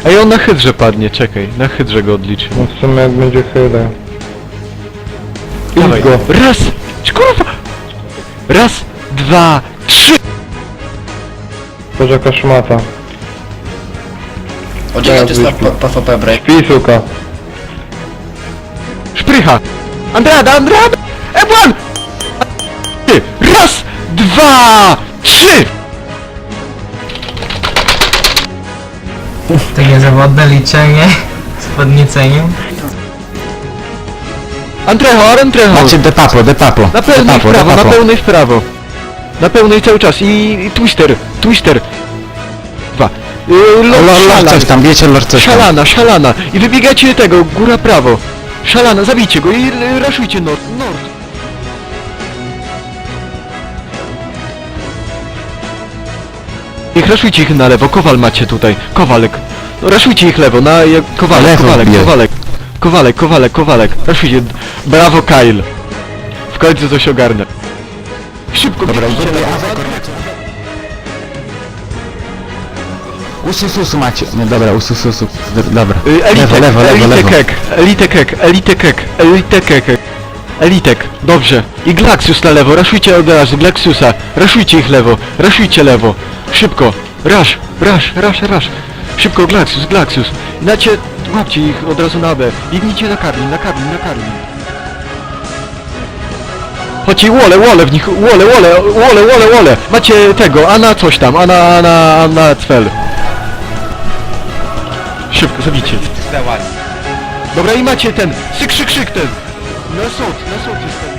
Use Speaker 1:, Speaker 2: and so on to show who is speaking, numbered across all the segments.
Speaker 1: Ej, on na hydrze padnie, czekaj, na hydrze go odliczy.
Speaker 2: No w sumie jak będzie chyle.
Speaker 1: Dawaj,
Speaker 2: go.
Speaker 1: raz, kurwa! Raz, dwa, trzy!
Speaker 2: To jaka szmata.
Speaker 3: O, czekaj, to jest
Speaker 2: wyśpi.
Speaker 3: PvP break.
Speaker 2: Śpi, suka.
Speaker 1: Szprycha! Andrada! Ebłan! Raz, dwa, trzy!
Speaker 4: Takie zawodne liczenie z podnieceniem.
Speaker 1: Antreho!
Speaker 5: Macie de papo.
Speaker 1: Na pełnej w prawo, na pełnej w prawo. Na pełnej cały czas i twister. Dwa.
Speaker 5: Lord coś tam, wiecie, Lord coś tam.
Speaker 1: Szalana. I wybiegacie tego, góra prawo. Szalana, zabijcie go i raszujcie nord. I raszujcie ich na lewo, Kowal macie tutaj. Kowalek. No, raszujcie ich lewo, Kowalek. Raszujcie. Brawo, Kyle. W końcu coś ogarnę. Szybko, dobra,
Speaker 5: Usususu macie. Nie, dobra, usususu. Dobra.
Speaker 1: Elitek,
Speaker 5: Lewo.
Speaker 1: Elitek, dobrze. I Glaxius na lewo, raszujcie od razu, Glaxiusa. Raszujcie ich lewo, raszujcie lewo. Szybko, rasz. Szybko, Glaxius. Znacie, łapcie ich od razu na B. Biegnijcie na Karlin. Chodźcie, wole w nich, wole. Macie tego, Ana coś tam, Ana Cfel. Szybko, zabijcie. Dobra, i macie ten, krzyk ten. Na sąd jest ten.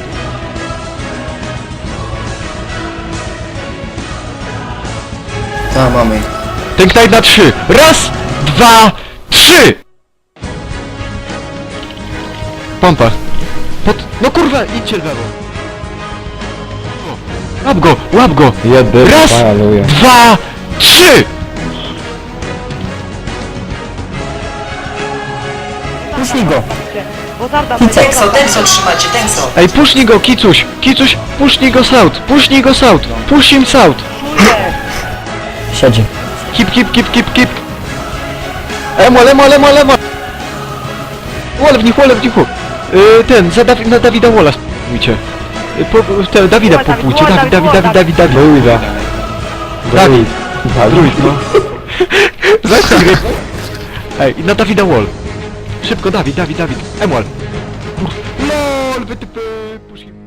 Speaker 3: Ta, mamy.
Speaker 1: Ten Knight na 3. Raz, dwa, trzy! Pompa. No kurwa, idźcie w lewo. Łap go!
Speaker 2: Jedy,
Speaker 1: Raz,
Speaker 2: paluję.
Speaker 1: dwa, trzy!
Speaker 4: Puśnij go!
Speaker 6: Tengso, trzymacie, Tengso.
Speaker 1: Ej, pusznij go, Kicuś, pusznij go south, push him south.
Speaker 4: Siedzi.
Speaker 1: Kip. Emol. Wall w nich. Ten, na Dawida Walla spróbujcie. Dawida popójcie, Dawid.
Speaker 2: Luisa.
Speaker 1: Dawid. Druid, no. Zacznij gry. Ej, i na Dawida Wall. Szybko, Dawid. Emol. LOL, wytypy, push him.